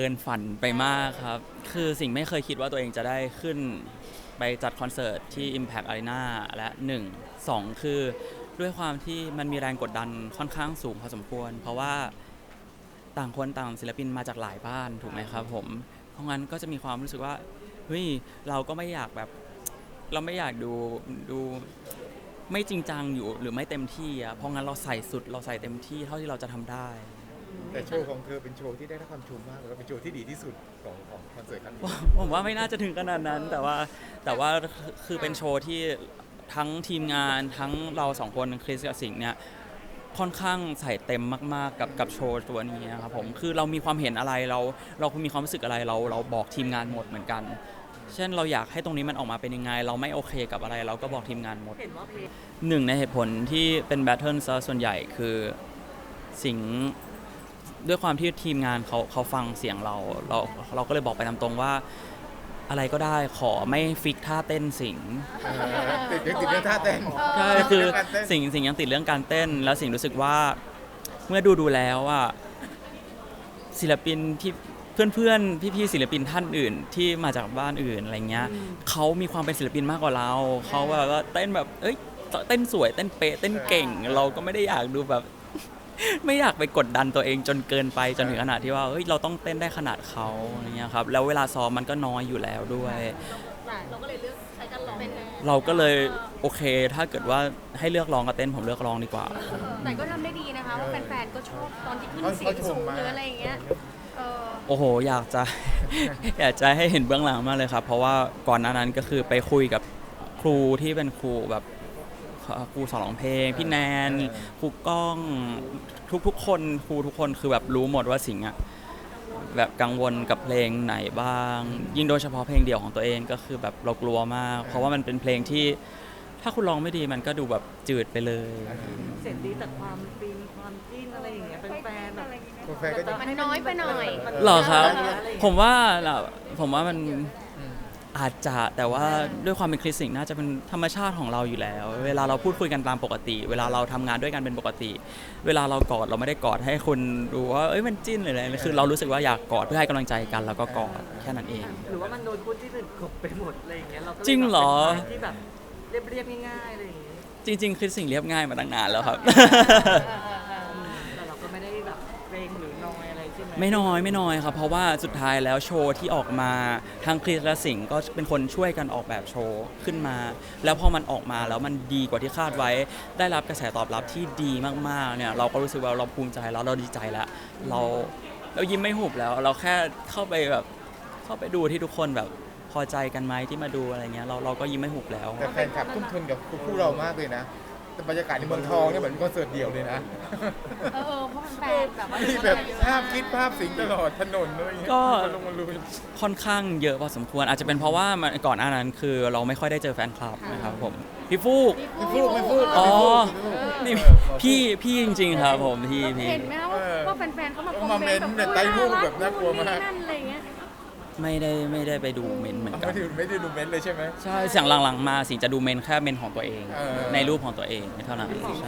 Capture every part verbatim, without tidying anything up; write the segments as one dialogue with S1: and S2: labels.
S1: กินฝันไปมากครับคือสิ่งไม่เคยคิดว่าตัวเองจะได้ขึ้นไปจัดคอนเสิร์ตที่ Impact Arena และหนึ่ง สองคือด้วยความที่มันมีแรงกดดันค่อนข้างสูงพอสมควรเพราะว่าต่างคนต่างศิลปินมาจากหลายบ้านถูกไหมครับผมเพราะงั้นก็จะมีความรู้สึกว่าเฮ้ยเราก็ไม่อยากแบบเราไม่อยากดูดูไม่จริงจังอยู่หรือไม่เต็มที่อ่ะเพราะงั้นเราใส่สุดเราใส่เต็มที่เท่าที่เราจะทำได้
S2: แต่โชว์ของเธอเป็นโชว์ที่ได้รับความชมมากแล้วก็เป็นโชว์ที่ดีที่สุดของของคอนเสิร์ตครั้งนี้
S1: ผมว่าไม่น่าจะถึงขนาดนั้นแต่ว่าแต่ว่าคือเป็นโชว์ที่ทั้งทีมงานทั้งเราสองคนคริสกับสิงห์เนี่ยค่อนข้างใส่เต็มมากๆกับกับโชว์ตัวนี้ครับผมคือเรามีความเห็นอะไรเราเรามีความรู้สึกอะไรเราเราบอกทีมงานหมดเหมือนกันเช่นเราอยากให้ตรงนี้มันออกมาเป็นยังไงเราไม่โอเคกับอะไรเราก็บอกทีมงานหมดหนึ่งในเหตุผลที่เป็นแบทเทิลซะส่วนใหญ่คือสิงห์ด้วยความที่ทีมงานเขาเขาฟังเสียงเราเราเราก็เลยบอกไปตามตรงว่าอะไรก็ได้ขอไม่ฟิกท่าเต้นสิงห์
S2: ติดยังติดเรื่องท่าเต้น
S1: ใช่คือสิ่งสิ่งยังติดเรื่องการเต้นแล้วสิ่งรู้สึกว่าเมื่อดูดูแล้วอ่ะศิลปินที่เพื่อนเพื่อนพี่พี่ศิลปินท่านอื่นที่มาจากบ้านอื่นอะไรเงี้ยเขามีความเป็นศิลปินมากกว่าเราเขาแบบว่าเต้นแบบเอ้ยเต้นสวยเต้นเป๊ะเต้นเก่งเราก็ไม่ได้อยากดูแบบไม่อยากไปกดดันตัวเองจนเกินไปจนถึงขนาดที่ว่าเฮ้ยเราต้องเต้นได้ขนาดเขาอะไรเงี้ยครับแล้วเวลาซ้อมมันก็น้อยอยู่แล้วด้วย
S3: เราก็เลยเลือกใช้การร้องเป็น
S1: เราก็เลยโอเคถ้าเกิดว่าให้เลือกร้องกับเต้นผมเลือกร้องดีกว่า
S3: แต่ก็ทำได้ดีนะคะว่าแฟนๆก็ชอบตอนที่ขึ้นเสียงสูงหรืออะไรอย่างเงี้ย
S1: โอ้โหอยากจะอยากจะให้เห็นเบื้องหลังมากเลยครับเพราะว่าก่อนหน้านั้นก็คือไปคุยกับครูที่เป็นครูแบบครูสอนร้องเพลงพี่แนนครูก้องทุกๆคนครูทุกคนคือแบบรู้หมดว่าสิงห์อะแบบกังวลกับเพลงไหนบ้างยิ่งโดยเฉพาะเพลงเดี่ยวของตัวเองก็คือแบบเรากลัวมากเพราะว่ามันเป็นเพลงที่ถ้าคุณร้องไม่ดีมันก็ดูแบบจืดไปเลย
S4: เสียงดีแต่ความฟินความจิ้นอะไรอย่างเงี้ยเป็นแฟนแบบ
S2: แฟนก็จะ
S3: มันน้อยไปหน่อย
S1: หรอครับผมว่าผมว่ามันอาจจะแต่ว่าด้วยความเป็นคริสสิงห์น่าจะเป็นธรรมชาติของเราอยู่แล้วเวลาเราพูดคุยกันตามปกติเวลาเราทำงานด้วยกันเป็นปกติเวลาเรากอดเราไม่ได้กอดให้คนดูว่าเอ้ยมันจิ้นเลยอะไรคือเรารู้สึกว่าอยากกอดเพื่อให้กำลังใจกันแล้วก็กอดแค่นั้นเอง
S4: หรือว่ามันโดนพูดที่อื่นกบไปหมดอะไรอย่างเงี้ยเราก็
S1: จริงเหรอ
S4: ที่แบบเรียบๆง่ายๆอะไรอย่างเงี้ย
S1: จริงๆคริสสิงห์เรียบง่ายมาตั้งนานแล้วครับ
S4: แต่เราก็ไม่ได้แบบเกรงหรือน้อยอะไรใช่ไหม
S1: ไม่น้อยไม่น้อยครับเพราะว่าสุดท้ายแล้วโชว์ที่ออกมาทางคริสและสิงห์ก็เป็นคนช่วยกันออกแบบโชว์ขึ้นมาแล้วพอมันออกมาแล้วมันดีกว่าที่คาดไว้ได้รับกระแสตอบรับที่ดีมากๆเนี่ยเราก็รู้สึกว่าเราภูมิใจแล้วเราดีใจแล้วเราเรายิ้มไม่หุบแล้วเราแค่เข้าไปแบบเข้าไปดูที่ทุกคนแบบพอใจกันไหมที่มาดูอะไรเงี้ยเราเราก็ยิ้มไม่หุบแล้ว
S2: แต่แฟนคลับทุ่มทุนกับคู่เรามากเลยนะแต่บรรยากาศในเมืองทองเนี่ยเหมือนคอนเสิร์ตเดี่ยวเลยนะ
S3: เออเพราะแฟนแบบว่า
S2: มีแบบภาพคิดภาพสิงตลอดถนนเลย
S1: ก็ค่อนข้างเยอะพอสมควรอาจจะเป็นเพราะว่าก่อนหน้านั้นคือเราไม่ค่อยได้เจอแฟนคลับนะครับผมพี่ฟูก
S2: พี่ฟูกพี่ฟูก
S1: อ๋อนี่พี่พี่จริงๆครับผมพี่พี่
S3: เห็นไหมว่าว่าแฟนๆเขามา
S2: คอมเมนต์แบบใต้รูปแบบน่ากลัวมาก
S1: ไม่ได้ไม่ได้ไปดูเมนเหมือนกัน
S2: ไม่ได้ไม่ได้ดูเมนเลยใช่ไหม
S1: ใช่เสียงหลังๆมาสิจะดูเมนแค่เมนของตัวเองในรูปของตัวเองเท่านั้นใช่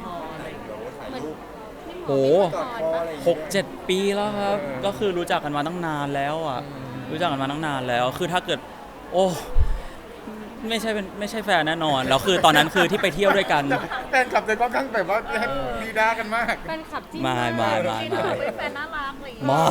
S1: โอ้หกเจ็ดปีแล้วครับก็คือรู้จักกันมาตั้งนานแล้วอ่ะรู้จักกันมาตั้งนานแล้วคือถ้าเกิดโอ้ไม่ใช่เป็นไม่ใช่แฟนแน่นอนแล้วคือตอนนั้นคือที่ไปเที่ยวด้วยกัน
S2: แฟนคลับเลยก็ทั้งแบบว่าดีด้ากันมาก
S3: แฟนคลับจริง
S1: มามามามา
S3: เป็นแฟนน่ารักเลย
S1: มา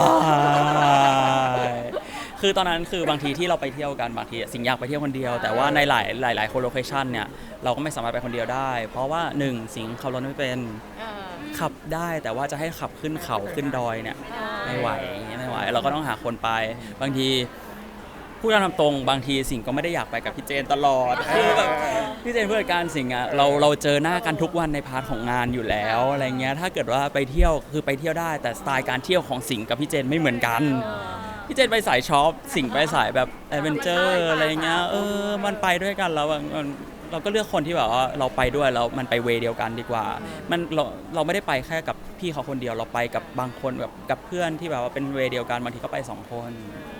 S1: คือตอนนั้นคือบางทีที่เราไปเที่ยวกันบางทีสิงห์อยากไปเที่ยวคนเดียวแต่ว่าในหลายหลายหลายโคโลเคชันเนี่ยเราก็ไม่สามารถไปคนเดียวได้เพราะว่าหนึ่งสิงห์ขับรถไม่เป็นขับได้แต่ว่าจะให้ขับขึ้นเขาขึ้นดอยเนี่ยไม่ไหวไม่ไหวเราก็ต้องหาคนไปบางทีพูดตามตรงบางทีสิงห์ก็ไม่ได้อยากไปกับพี่เจนตลอดคือแบบพี่เจนผู้จัดการสิงห์อ่ะเราเราเจอหน้ากันทุกวันในพาร์ทของงานอยู่แล้วอะไรเงี้ยถ้าเกิดว่าไปเที่ยวคือไปเที่ยวได้แต่สไตล์การเที่ยวของสิงห์กับพี่เจนไม่เหมือนกันพี่เจนไปสายช็อปสิงห์ไปสายแบบแอดเวนเจอร์อะไรเงี้ยเออมันไปด้วยกันแล้วเราก็เลือกคนที่แบบว่าเราไปด้วยแล้วมันไปเวย์เดียวกันดีกว่ามันเราเราไม่ได้ไปแค่กับพี่เขาคนเดียวเราไปกับบางคนแบบกับเพื่อนที่แบบว่าเป็นเวย์เดียวกันบางทีก็ไปสองคน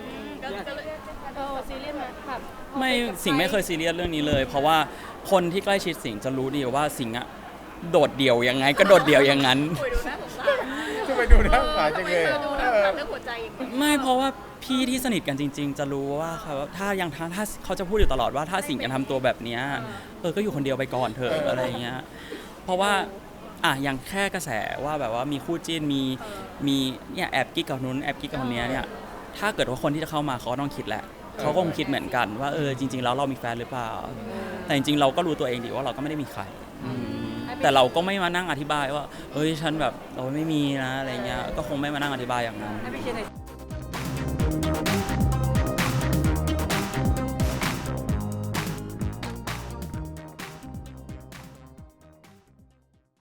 S3: ซีเรียสไหมครับ
S1: ไม่สิงห์ไม่เคยซีเรียสเรื่องนี้เลยเพราะว่าคนที่ใกล้ชิดสิงห์จะรู้ดีว่าสิงห์อะโดดเดี่ยวยังไงก็โดดเดี่ยวอย่างนั้น
S2: จะไปดูหน้าฝาจังเลย
S3: ถามเรื่องหัวใจอย่างเดียว
S1: ไม่เพราะว่าพี่ที่สนิทกันจริง ๆ จะรู้ว่าเขาถ้ายังถ้าถ้าเขาจะพูดอยู่ตลอดว่าถ้าสิงห์ยังทำตัวแบบเนี้ยเออก็อยู่คนเดียวไปก่อนเถอะอะไรอย่างเงี้ยเพราะว่าอ่ะอย่างแค่กระแสว่าแบบว่ามีคู่จิ้นมีมีเนี่ยแอบกิ๊กกับนู้นแอบกิ๊กกับคนเนี้ยเนี่ยถ้าเกิดว่าคนที่จะเข้ามาเขาก็ต้องคิดแหละเขาก็คงคิดเหมือนกันว่าเออจริงๆแล้วเรามีแฟนหรือเปล่าแต่จริงๆเราก็รู้ตัวเองดีว่าเราก็ไม่ได้มีใครอืมแต่เราก็ไม่มานั่งอธิบายว่าเอ้ยฉันแบบเราไม่มีนะอะไรเงี้ยก็คงไม่มานั่งอธิบายอย่างนั้น
S4: ให้ไปเชียร์ใน